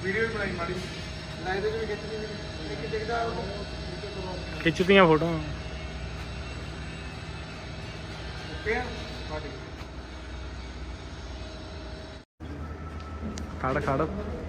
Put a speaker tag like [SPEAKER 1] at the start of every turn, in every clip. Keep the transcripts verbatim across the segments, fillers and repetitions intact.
[SPEAKER 1] video ਵੀ ਬਣਾਈ ਮਾੜੀ live ਦੇ ਵੀ ਖਿੱਚਦੀ ਕਿ ਦਿਖਦਾ
[SPEAKER 2] ਖਿੱਚਦੀਆਂ ਫੋਟੋ
[SPEAKER 1] ਓਕੇ ਆ ਬਾਡੀ
[SPEAKER 2] ਖੜ ਖੜ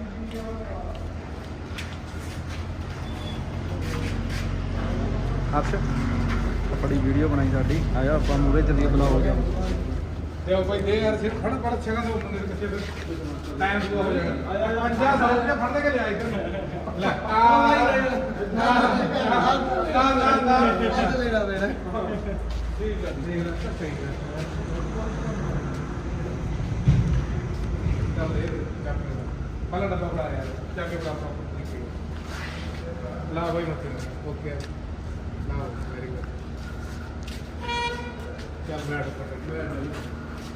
[SPEAKER 2] ਹਰਸ਼ ਬੜੀ ਵੀਡੀਓ ਬਣਾਈ ਸਾਡੀ ਆਇਆ ਆਪਾਂ ਮੂਰੇ ਚੱਲੀਏ ਬੁਲਾਓ ਜਾ
[SPEAKER 1] ਤੇ ਉਹ ਭਾਈ ਦੇ ਯਾਰ ਸਿਰ ਫੜ ਫੜ ਛਗਾ ਦੋ ਬੰਦੇ ਦੇ ਪਿੱਛੇ ਫਿਰ ਟਾਈਮ ਪੂਰਾ ਹੋ ਜਾਣਾ ਆ ਜਾ ਪੰਜਾਹ ਸੌ ਰੁਪਏ ਫੜ ਲੈ ਕੇ ਲਿਆ ਇੱਧਰ ਨੂੰ ਲੈ ਆ ਨਾ ਨਾ ਨਾ ਨਾ ਲੈਣਾ ਲੈਣਾ ਠੀਕ ਹੈ ਠੀਕ ਹੈ ਸਹੀ ਹੈ ਚੱਲ ਇਹ ਚੱਕ ਲੈ ਪਹਿਲਾ ਡੱਬਾ ਫੜਾ ਯਾਰ ਚੱਕ ਕੇ ਬੜਾ ਲਾ ਭਾਈ ਮੱਥੇ ਓਕੇ ਲਾ ਵੈਰੀ ਗੁੱਡ ਚੱਲ ਬੈਠ ਬੈਠ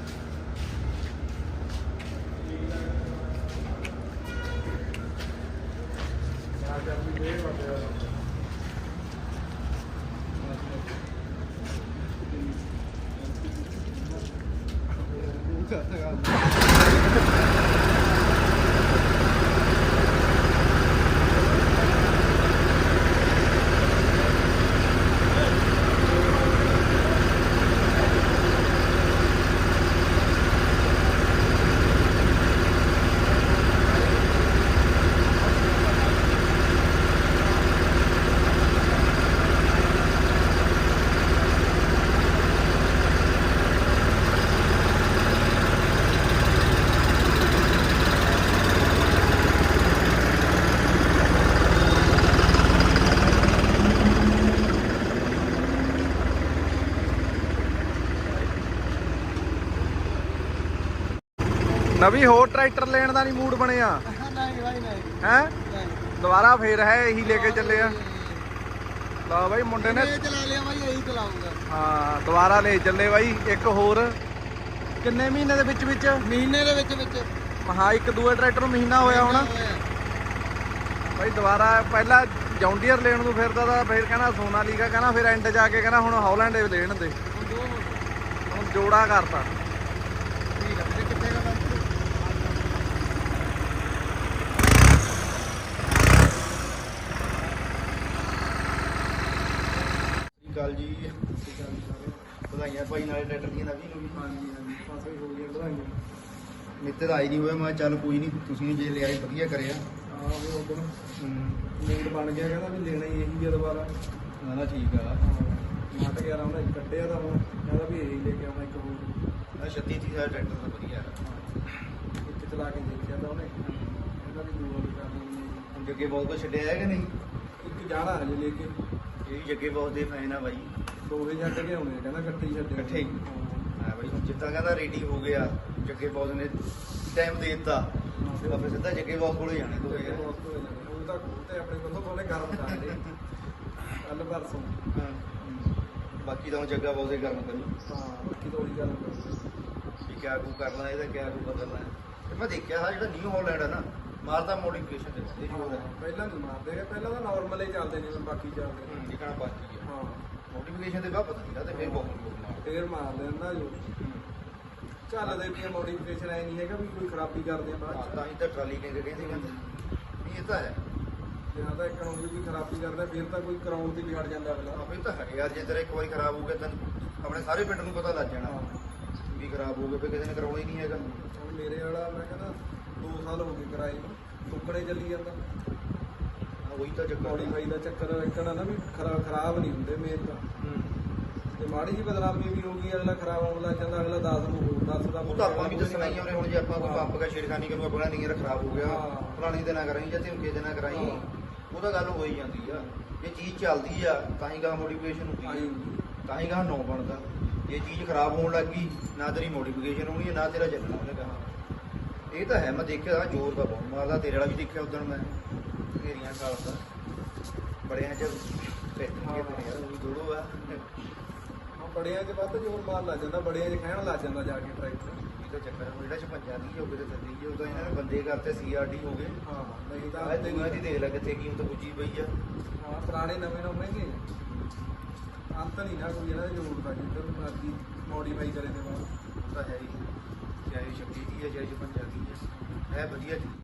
[SPEAKER 1] ਨਵੀਂ ਹੋਰ ਟਰੈਕਟਰ ਲੈਣ ਦਾ ਨਹੀਂ ਮੂਡ ਬਣਿਆ ਨਹੀਂ ਭਾਈ ਨਹੀਂ
[SPEAKER 2] ਹੈ ਦੁਬਾਰਾ ਫੇਰ ਹੈ ਇਹੀ ਲੈ ਕੇ ਚੱਲੇ ਆ ਲਾ ਬਾਈ ਮੁੰਡੇ ਨੇ
[SPEAKER 1] ਇਹ ਚਲਾ ਲਿਆ ਭਾਈ ਇਹੀ ਚਲਾਉਂਗਾ
[SPEAKER 2] ਹਾਂ ਦੁਬਾਰਾ ਲੈ ਚੱਲੇ ਬਾਈ ਇੱਕ ਹੋਰ ਕਿੰਨੇ ਮਹੀਨੇ ਦੇ ਵਿੱਚ ਵਿੱਚ
[SPEAKER 1] ਮਹੀਨੇ ਦੇ ਵਿੱਚ ਵਿੱਚ
[SPEAKER 2] ਹਾਂ ਇੱਕ ਦੂਏ ਟਰੈਕਟਰ ਨੂੰ ਮਹੀਨਾ ਹੋਇਆ ਹੋਣਾ ਬਾਈ ਦੁਬਾਰਾ ਪਹਿਲਾਂ ਜੌਂਡੀਅਰ ਲੈਣ ਨੂੰ ਫਿਰਦਾ ਤਾਂ ਫਿਰ ਕਹਿੰਦਾ ਸੋਨਾਲੀਕਾ ਕਹਿੰਦਾ ਫਿਰ ਐਂਡ ਜਾ ਕੇ ਕਹਿੰਦਾ ਹੁਣ ਹੌਲੈਂਡ ਲੈਣ ਦੇ ਹੁਣ ਜੋੜਾ ਕਰਤਾ
[SPEAKER 1] ਠੀਕ ਹੈ ਕਿੱਥੇ ਦਾ
[SPEAKER 3] ਗੱਲ ਜੀ ਵਧਾਈਆਂ ਭਾਈ ਨਾਲੇ ਟਰੈਕਟਰ ਦੀਆਂ ਨਵੀਂ ਨੂੰ ਵੀ
[SPEAKER 1] ਹਾਂਜੀ ਹਾਂਜੀ ਪਾਸੇ ਹੋ ਗਿਆ ਵਧਾਈਆਂ
[SPEAKER 3] ਮਿੱਤਰ ਆਈ ਨਹੀਂ ਹੋਇਆ ਮੈਂ ਚੱਲ ਕੋਈ ਨਹੀਂ ਤੁਸੀਂ ਜੇ ਲਿਆਏ ਵਧੀਆ ਕਰਿਆ
[SPEAKER 1] ਹਾਂ ਉਹ ਉਦੋਂ ਮੂਡ ਬਣ ਗਿਆ ਕਹਿੰਦਾ ਵੀ ਲੈਣਾ ਹੀ ਇਹੀ ਆ ਦੁਬਾਰਾ
[SPEAKER 3] ਨਾ ਨਾ ਠੀਕ ਆ
[SPEAKER 1] ਨੱਟ ਗਿਆ ਉਹਨੇ ਕੱਟਿਆ ਤਾਂ ਹੁਣ ਕਹਿੰਦਾ ਵੀ ਇਹੀ ਲੈ ਕੇ ਆਉਣਾ ਇੱਕ ਹੋਰ
[SPEAKER 3] ਆ ਛੱਤੀ ਤੀਹ ਦਾ ਟਰੈਕਟਰ ਤਾਂ ਵਧੀਆ
[SPEAKER 1] ਇੱਕ ਚਲਾ ਕੇ ਦੇਖਿਆ ਤਾਂ ਉਹਨੇ ਕਹਿੰਦਾ ਵੀ ਦੂਆ ਵੀ ਕਰ ਲੈਣੀ
[SPEAKER 3] ਹੁਣ ਜੱਗੇ ਬਹੁਤ ਕੁਛ ਛੱਡਿਆ ਹੈ ਕਿ ਨਹੀਂ
[SPEAKER 1] ਇੱਕ ਜਾਣਾ ਹਜੇ ਲੈ ਕੇ
[SPEAKER 3] ਇਹ ਵੀ ਜੱਗੇ ਬਹੁਤ ਦੇ ਫੈਨ ਆ ਬਾਈ
[SPEAKER 1] ਦੋਵੇਂ ਛੱਡ ਕੇ ਆਉਣੇ ਕਹਿੰਦਾ ਇਕੱਠੇ ਹੀ ਛੱਡੇ
[SPEAKER 3] ਇਕੱਠੇ ਹੀ ਹਾਂ ਬਾਈ ਹੁਣ ਜਿੱਦਾਂ ਕਹਿੰਦਾ ਰੈਡੀ ਹੋ ਗਿਆ ਜੱਗੇ ਬਹੁਤ ਨੇ ਟਾਈਮ ਦੇ ਦਿੱਤਾ ਫਿਰ ਸਿੱਧਾ ਜੱਗੇ ਬਹੁਤ ਕੋਲੇ ਜਾਣੇ ਦੋਵੇਂ
[SPEAKER 1] ਉਹ ਤਾਂ ਖੋਤੇ ਆਪਣੇ ਕੋਲੋਂ ਕੋਲੇ ਗਰਮ ਕਰਦੇ ਕੱਲ ਪਰਸੋਂ
[SPEAKER 3] ਹਾਂ ਬਾਕੀ ਤਾਂ ਹੁਣ ਜੱਗਾ ਬਹੁਤ ਦੇ ਕਰਨ ਕਰੂ
[SPEAKER 1] ਹਾਂ ਬਾਕੀ ਤਾਂ ਉਹੀ ਗੱਲ
[SPEAKER 3] ਵੀ ਕਿਆ ਕੂ ਕਰਨਾ ਇਹਦਾ ਕਿਆ ਕੂ ਬਦਲਣਾ ਤੇ ਮੈਂ ਦੇਖਿਆ ਹਾਂ ਜਿਹੜਾ ਨਿਊ ਹਾਲੈਂਡ ਹੈ ਨਾ ਮਾਰਦਾ ਮੋਡੀਫਿਕੇਸ਼ਨ ਦੇ ਬੰਦੇ ਜੋਰ ਹੈ
[SPEAKER 1] ਪਹਿਲਾਂ ਨਹੀਂ ਮਾਰਦੇ ਗਏ ਪਹਿਲਾਂ ਤਾਂ ਨਾਰਮਲ ਹੀ ਚੱਲਦੇ ਨੇ ਬਾਕੀ ਚੱਲਦੇ
[SPEAKER 3] ਜਿਕਣਾ ਬਾਕੀ ਹੈ
[SPEAKER 1] ਹਾਂ
[SPEAKER 3] ਮੋਡੀਫਿਕੇਸ਼ਨ ਦੇ ਬਾਅਦ ਪਤਾ ਨਹੀਂ ਲੱਗਦਾ ਫਿਰ ਬਹੁਤ ਜੋਰ ਮਾਰਦਾ
[SPEAKER 1] ਫੇਰ ਮਾਰ ਲੈਂਦਾ ਜੋ ਚੱਲਦੇ ਵੀ ਮੋਡੀਫਿਕੇਸ਼ਨ ਐ ਨਹੀਂ ਹੈਗਾ ਵੀ ਕੋਈ ਖਰਾਬੀ ਕਰਦੇ ਆ ਬਾਅਦ
[SPEAKER 3] ਤਾਂ ਹੀ ਤਾਂ ਟਰਾਲੀ ਕਹਿੰਦੇ ਕਹਿੰਦੇ ਕਹਿੰਦੇ ਵੀ ਇਹ ਤਾਂ ਹੈ
[SPEAKER 1] ਜੇ ਹਾਂ ਤਾਂ ਇੱਕ ਨੂੰ ਵੀ ਖਰਾਬੀ ਕਰਦਾ ਫਿਰ ਤਾਂ ਕੋਈ ਕਰਾਉਣ ਦੀ ਵੀ ਹਟ ਜਾਂਦਾ ਅਗਲਾ
[SPEAKER 3] ਆਪੇ ਤਾਂ ਹੈ ਯਾਰ ਜੇ ਤੇਰਾ ਇੱਕ ਵਾਰੀ ਖਰਾਬ ਹੋ ਗਿਆ ਤਾਂ ਆਪਣੇ ਸਾਰੇ ਪਿੰਡ ਨੂੰ ਪਤਾ ਲੱਗ ਜਾਣਾ ਵੀ ਖਰਾਬ ਹੋ ਗਿਆ ਫਿਰ ਕਿਸੇ ਨੇ ਕਰਾਉਣਾ ਹੀ ਨਹੀਂ ਹੈਗਾ
[SPEAKER 1] ਹੁਣ ਮੇਰੇ ਵਾਲਾ ਮੈਂ ਕਹਿੰਦਾ ਦੋ ਸਾਲ ਹੋ ਗਏ ਕਰਾਏ ਨੂੰ ਟੁਕੜੇ ਚੱਲੀ ਜਾਂਦਾ
[SPEAKER 3] ਉਹੀ ਤਾਂ ਜੱਗਾ
[SPEAKER 1] ਮੋਡੀਫਾਈ ਦਾ ਚੱਕਰ ਇੱਕਣਾ ਨਾ ਵੀ ਖਰਾ ਖਰਾਬ ਨਹੀਂ ਹੁੰਦੇ ਮੇਨ ਤਾਂ ਤੇ ਮਾੜੀ ਜੀ ਬਦਨਾਮੀ ਵੀ ਹੋ ਗਈ ਅਗਲਾ ਖਰਾਬ ਹੋਣ ਲੱਗ ਜਾਂਦਾ ਅਗਲਾ ਦਸ ਨੂੰ ਹੋਰ ਦੱਸਦਾ
[SPEAKER 3] ਉਹ ਤਾਂ ਆਪਾਂ ਵੀ ਦੱਸਣਾ ਹੀ ਉਹਨੇ ਹੁਣ ਜੇ ਆਪਾਂ ਕੋਈ ਪੰਪ ਕਾ ਛੇੜਖਾਨੀ ਕਰੂ ਆਪਣਾ ਨਹੀਂ ਖਰਾਬ ਹੋ ਗਿਆ ਫਲਾਣੀ ਦੇ ਨਾ ਕਰਾਈ ਜਾਂ ਧਮਕੇ ਦੇ ਨਾ ਕਰਾਈ ਉਹ ਤਾਂ ਗੱਲ ਹੋ ਹੀ ਜਾਂਦੀ ਆ ਜੇ ਚੀਜ਼ ਚੱਲਦੀ ਆ ਤਾਂ ਹੀ ਗਾ ਮੋਡੀਫਿਕੇਸ਼ਨ ਹੁੰਦੀ ਆ ਤਾਂ ਹੀ ਗਾ ਨੌ ਬਣਦਾ ਜੇ ਚੀਜ਼ ਖਰਾਬ ਹੋਣ ਲੱਗ ਗਈ ਨਾ ਤੇਰੀ ਮੋਡੀਫਿਕੇਸ਼ਨ ਹੋਣੀ ਨਾ ਤੇਰਾ ਚੱਲਣਾ ਉਹਨੇ ਕਹਾ ਇਹ ਤਾਂ ਹੈ ਮੈਂ ਦੇਖਿਆ ਜ਼ੋਰ ਦਾ ਬਹੁਤ ਮਾਰਦਾ ਤੇਰੇ ਵਾਲਾ ਵੀ ਦੇਖਿਆ ਉਦੋਂ ਮੈਂ ਘੇਰੀਆਂ ਕਾਲਦਾ ਬੜਿਆਂ ਚ ਦੂੜੋ ਆ
[SPEAKER 1] ਬੜਿਆਂ 'ਚ ਵੱਧ ਜ਼ੋਰ ਮਾਰ ਲੱਗ ਜਾਂਦਾ ਬੜਿਆਂ 'ਚ ਖਹਿਣ ਲੱਗ ਜਾਂਦਾ ਜਾ ਕੇ ਟਰੈਕਟਰ
[SPEAKER 3] ਇਹ ਤਾਂ ਚੱਕਰ ਜਿਹੜਾ ਛਪੰਜਾ ਦੀ ਹੋ ਗਏ ਤੇ ਥੱਲੇ ਹੀ ਉਹ ਤਾਂ ਇਹਨਾਂ ਨੇ ਬੰਦੇ ਕਰਤੇ ਸੀ ਆਰ ਡੀ ਹੋ ਗਏ
[SPEAKER 1] ਹਾਂ ਨਹੀਂ ਤਾਂ
[SPEAKER 3] ਆਹ ਦੁਨੀਆ ਦੀ ਦੇਖ ਲੈ ਕਿੱਥੇ ਕੀਮਤ ਪੁੱਜੀ ਪਈ ਆ
[SPEAKER 1] ਹਾਂ ਪੁਰਾਣੇ ਨਵੇਂ ਨਵੇਂ ਮਹਿੰਗੇ ਅੰਤ ਨਹੀਂ ਨਾ ਕੋਈ ਇਹਨਾਂ ਦੀ ਜ਼ਰੂਰਤ ਆ ਜਿੱਧਰ ਮਰਜ਼ੀ ਮੋਡੀਫਾਈ ਕਰੇ ਤੇ ਬਾਅਦ
[SPEAKER 3] ਤਾਂ ਹੈ ਹੀ ਚਾਹੇ ਛੱਬੀ ਦੀ ਹੈ ਚਾਹੇ ਛਪੰਜਾ ਦੀ ਹੈ ਹੈ ਵਧੀਆ